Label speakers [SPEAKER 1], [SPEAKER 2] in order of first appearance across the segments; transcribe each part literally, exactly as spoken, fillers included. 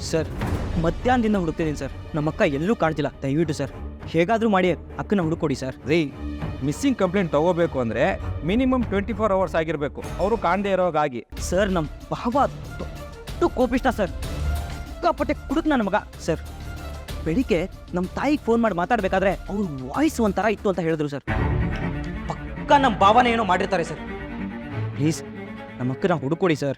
[SPEAKER 1] Sir ಮಧ್ಯಾಹ್ನದಿಂದ ಹುಡುಕ್ತಿದ್ದೀನಿ sir, ನಮ್ಮ ಅಕ್ಕ ಎಲ್ಲೂ ಕಾಣ್ತಿಲ್ಲ. ದಯವಿಟ್ಟು ಸರ್ ಹೇಗಾದರೂ ಮಾಡಿ ಅಕ್ಕನ ಹುಡುಕೊಡಿ ಸರ್.
[SPEAKER 2] ರೀ, ಮಿಸ್ಸಿಂಗ್ ಕಂಪ್ಲೇಂಟ್ ತಗೋಬೇಕು ಅಂದರೆ ಮಿನಿಮಮ್ ಟ್ವೆಂಟಿ ಫೋರ್ ಅವರ್ಸ್ ಆಗಿರಬೇಕು, ಅವರು ಕಾಣದೇ ಇರೋಗಾಗಿ.
[SPEAKER 1] ಸರ್ ನಮ್ಮ ಭಾವ ದೊಡ್ಡ ಕೋಪಿಷ್ಟ ಸರ್, ಸಿಕ್ಕಾಪಟ್ಟೆ ಕುಡುಕ್ ನನ್ನ ಮಗ ಸರ್. ಬೆಳಿಗ್ಗೆ ನಮ್ಮ ತಾಯಿಗೆ ಫೋನ್ ಮಾಡಿ ಮಾತಾಡಬೇಕಾದ್ರೆ ಅವ್ರ ವಾಯ್ಸ್ ಒಂಥರ ಇತ್ತು ಅಂತ ಹೇಳಿದ್ರು ಸರ್. ಪಕ್ಕ ನಮ್ಮ ಭಾವನೆ ಏನೋ ಮಾಡಿರ್ತಾರೆ ಸರ್. ಪ್ಲೀಸ್ ನಮ್ಮ ಅಕ್ಕನ ಹುಡುಕೊಡಿ ಸರ್.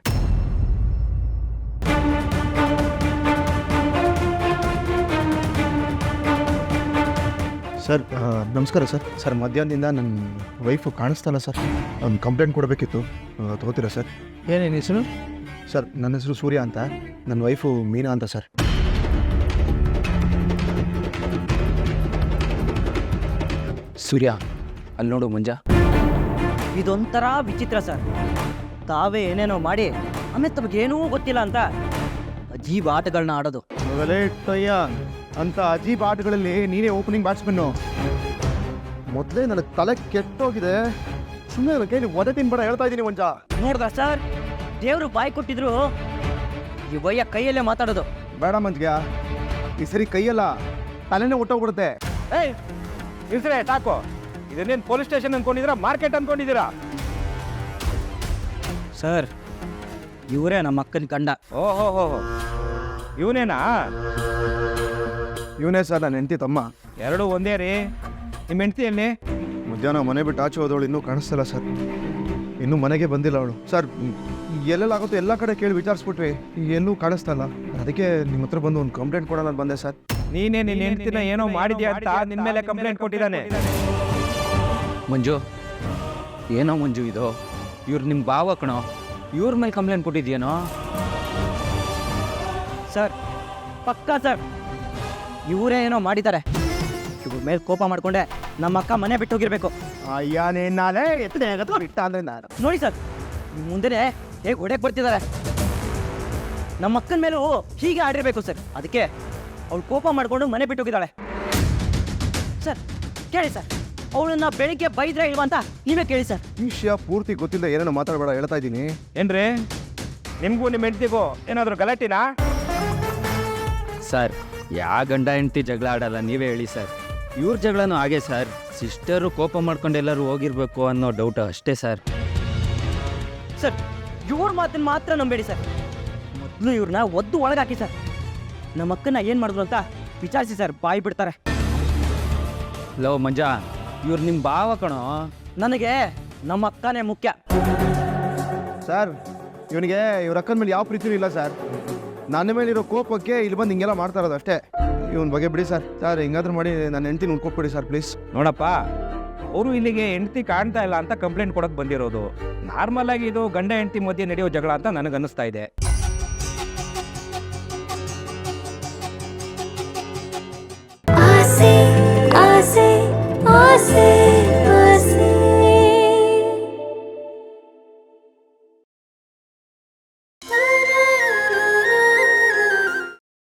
[SPEAKER 3] ಸರ್ ನಮಸ್ಕಾರ ಸರ್. ಸರ್ ಮಧ್ಯಾಹ್ನದಿಂದ ನನ್ನ ವೈಫು ಕಾಣಿಸ್ತಲ್ಲ ಸರ್, ಒಂದು ಕಂಪ್ಲೇಂಟ್ ಕೊಡಬೇಕಿತ್ತು, ತಗೋತೀರಾ ಸರ್?
[SPEAKER 4] ಏನೇನು ಹೆಸರು?
[SPEAKER 3] ಸರ್ ನನ್ನ ಹೆಸರು ಸೂರ್ಯ ಅಂತ, ನನ್ನ ವೈಫು ಮೀನಾ ಅಂತ ಸರ್.
[SPEAKER 5] ಸೂರ್ಯ, ಅಲ್ಲಿ ನೋಡು ಮಂಜ.
[SPEAKER 1] ಇದೊಂಥರ ವಿಚಿತ್ರ ಸರ್. ತಾವೇ ಏನೇನೋ ಮಾಡಿ ಆಮೇಲೆ ತಮಗೇನೂ ಗೊತ್ತಿಲ್ಲ ಅಂತ ಅಜೀಬ್ ಆಟಗಳನ್ನ ಆಡೋದು.
[SPEAKER 3] ಟಯ್ಯ ಅಂತ ಅಜೀಬ್ ಆಟಗಳಲ್ಲಿ ನೀನೇ ಓಪನಿಂಗ್ ಬ್ಯಾಟ್ಸ್ಮನ್ನು. ಮೊದಲೇ ನನಗೆ ತಲೆ ಕೆಟ್ಟೋಗಿದೆ, ಸುಮ್ಮನೆ ನನ್ನ ಕೈಲಿ ಒದೆ ತಿನ್ಬೇಡ ಹೇಳ್ತಾ ಇದ್ದೀನಿ ಮಂಜ.
[SPEAKER 1] ನೋಡ್ದ ಸರ್, ದೇವರು ಬಾಯಿ ಕೊಟ್ಟಿದ್ರು ಈ ವಯ್ಯ ಕೈಯಲ್ಲೇ ಮಾತಾಡೋದು.
[SPEAKER 3] ಬೇಡ ಮಂಜ್ಗ, ಈ ಸರಿ ಕೈಯಲ್ಲ ತಲೆನೇ ಹೊಟ್ಟೋಗ್ಬಿಡುತ್ತೆ.
[SPEAKER 2] ಏಯ್ ಇರ್ತಾರೆ ಸಾಕು. ಇದನ್ನೇನು ಪೊಲೀಸ್ ಸ್ಟೇಷನ್ ಅನ್ಕೊಂಡಿದ್ದೀರಾ, ಮಾರ್ಕೆಟ್ ಅನ್ಕೊಂಡಿದ್ದೀರಾ?
[SPEAKER 1] ಸರ್ ಇವರೇ ನಮ್ಮ ಅಕ್ಕನ ಕಂಡ.
[SPEAKER 2] ಓಹೋ ಹೋ ಹೋ, ಇವನೇನಾ?
[SPEAKER 3] ಇವನೇ ಸರ್ ನನ್ನ ಹೆಂಡತಿ ತಮ್ಮ.
[SPEAKER 2] ಎರಡೂ ಒಂದೇ ರೀ. ನಿಮ್ಮ ಹೆಂಡ್ತಿಯಲ್ಲಿ
[SPEAKER 3] ಮಧ್ಯಾಹ್ನ ಮನೆ ಬಿಟ್ಟು ಆಚೆ ಹೋದವಳು ಇನ್ನೂ ಕಾಣಿಸ್ತಲ್ಲ ಸರ್, ಇನ್ನೂ ಮನೆಗೆ ಬಂದಿಲ್ಲ ಅವಳು. ಸರ್ ಎಲ್ಲೆಲ್ಲಾಗುತ್ತೋ ಎಲ್ಲ ಕಡೆ ಕೇಳಿ ವಿಚಾರಿಸ್ಬಿಟ್ವಿ, ಎಲ್ಲೂ ಕಾಣಿಸ್ತಲ್ಲ. ಅದಕ್ಕೆ ನಿಮ್ಮ ಹತ್ರ ಬಂದು ಒಂದು ಕಂಪ್ಲೇಂಟ್ ಕೊಡೋಣ ಅಂತ ಬಂದೆ ಸರ್.
[SPEAKER 2] ನೀನೇ ನಿನ್ನ ಹೆಂಡ್ತಿನ ಏನೋ ಮಾಡಿದ್ಯಾ ಅಂತ ನಿನ್ನ ಮೇಲೆ ಕಂಪ್ಲೇಂಟ್ ಕೊಟ್ಟಿದ್ದಾನೆ.
[SPEAKER 5] ಮಂಜು, ಏನೋ ಮಂಜು ಇದು? ಇವ್ರು ನಿಮ್ಮ ಭಾವ ಕಣೋ, ಇವ್ರ ಮೇಲೆ ಕಂಪ್ಲೇಂಟ್ ಕೊಟ್ಟಿದ್ಯೇನೋ?
[SPEAKER 1] ಸರ್ ಪಕ್ಕ ಸರ್ ಇವರೇ ಏನೋ ಮಾಡಿದ್ದಾರೆ. ಇವ್ರ ಮೇಲೆ ಕೋಪ ಮಾಡ್ಕೊಂಡೆ ನಮ್ಮ ಅಕ್ಕ ಮನೆ ಬಿಟ್ಟು ಹೋಗಿರ್ಬೇಕು.
[SPEAKER 3] ಅಯ್ಯಾನೇ ನಾಳೆ ಎತ್ತನೆ ಇಟ್ಟ ಅಂದ್ರೆ ನಾನು
[SPEAKER 1] ನೋಡಿ ಸರ್, ಮುಂದೆನೆ ಹೇಗೆ ಹೊಡೆಯಕ್ಕೆ ಬರ್ತಿದ್ದಾರೆ. ನಮ್ಮ ಅಕ್ಕನ ಮೇಲೂ ಹೀಗೆ ಆಡಿರ್ಬೇಕು ಸರ್. ಅದಕ್ಕೆ ಅವಳು ಕೋಪ ಮಾಡಿಕೊಂಡು ಮನೆ ಬಿಟ್ಟು ಹೋಗಿದ್ದಾಳೆ. ಸರ್ ಕೇಳಿ ಸರ್, ಅವಳನ್ನ ಬೆಳಿಗ್ಗೆ ಬೈದ್ರೆ ಇಲ್ವಾ ಅಂತ ನೀವೇ ಕೇಳಿ ಸರ್.
[SPEAKER 3] ಈ ವಿಷಯ ಪೂರ್ತಿ ಗೊತ್ತಿಲ್ಲ, ಏನೇನೋ ಮಾತಾಡಬೇಡ ಹೇಳ್ತಾ ಇದ್ದೀನಿ.
[SPEAKER 2] ಏನ್ರಿ, ನಿಮಗೂ ನಿಮ್ಮ ಹೆಂಡ್ತಿಗೂ ಏನಾದರೂ ಗಲಾಟಿನಾ?
[SPEAKER 5] ಸರ್, ಯಾ ಗಂಡ ಹೆಂಡ್ತಿ ಜಗಳ ಆಡಲ್ಲ, ನೀವೇ ಹೇಳಿ ಸರ್. ಇವ್ರ ಜಗಳನೂ ಹಾಗೆ ಸರ್, ಸಿಸ್ಟರು ಕೋಪ ಮಾಡ್ಕೊಂಡು ಎಲ್ಲರೂ ಹೋಗಿರ್ಬೇಕು ಅನ್ನೋ ಡೌಟ್ ಅಷ್ಟೇ ಸರ್.
[SPEAKER 1] ಸರ್ ಇವ್ರ ಮಾತನ್ನ ಮಾತ್ರ ನಂಬೇಡಿ ಸರ್. ಮೊದಲು ಇವ್ರನ್ನ ಒದ್ದು ಒಳಗಾಕಿ ಸರ್. ನಮ್ಮ ಅಕ್ಕನ ಏನು ಮಾಡಿದ್ರು ಅಂತ ವಿಚಾರಿಸಿ ಸರ್, ಬಾಯಿ ಬಿಡ್ತಾರೆ.
[SPEAKER 5] ಲವ್ ಮಂಜ, ಇವ್ರು ನಿಮ್ಮ ಭಾವ ಕಣೋ.
[SPEAKER 1] ನನಗೆ ನಮ್ಮ ಅಕ್ಕನೇ ಮುಖ್ಯ.
[SPEAKER 3] ಸರ್ ಇವನಿಗೆ ಇವ್ರ ಅಕ್ಕನ ಮೇಲೆ ಯಾವ ಪ್ರೀತಿನೂ ಇಲ್ಲ ಸರ್. ನನ್ನ ಮೇಲಿರೋ ಕೋಪಕ್ಕೆ ಇಲ್ಲಿ ಬಂದು ಹಿಂಗೆಲ್ಲ ಮಾಡ್ತಾ ಇರೋದು ಅಷ್ಟೇ. ಇವನ್ ಬಗ್ಗೆ ಬಿಡಿ ಸರ್. ಸರ್ ಹಿಂಗಾದ್ರೂ ಮಾಡಿ ನನ್ನ ಹೆಂಡತಿನ ಉಳ್ಕೊಟ್ಬಿಡಿ ಸರ್ ಪ್ಲೀಸ್.
[SPEAKER 2] ನೋಡಪ್ಪ, ಅವರು ಇಲ್ಲಿಗೆ ಹೆಂಡ್ತಿ ಕಾಣ್ತಾ ಇಲ್ಲ ಅಂತ ಕಂಪ್ಲೇಂಟ್ ಕೊಡೋಕೆ ಬಂದಿರೋದು. ನಾರ್ಮಲ್ ಆಗಿ ಇದು ಗಂಡ ಹೆಂಡ್ತಿ ಮಧ್ಯೆ ನಡೆಯೋ ಜಗಳ ಅಂತ ನನಗೆ ಅನ್ನಿಸ್ತಾ ಇದೆ.
[SPEAKER 6] ಆಸೆ ಆಸೆ ಆಸೆ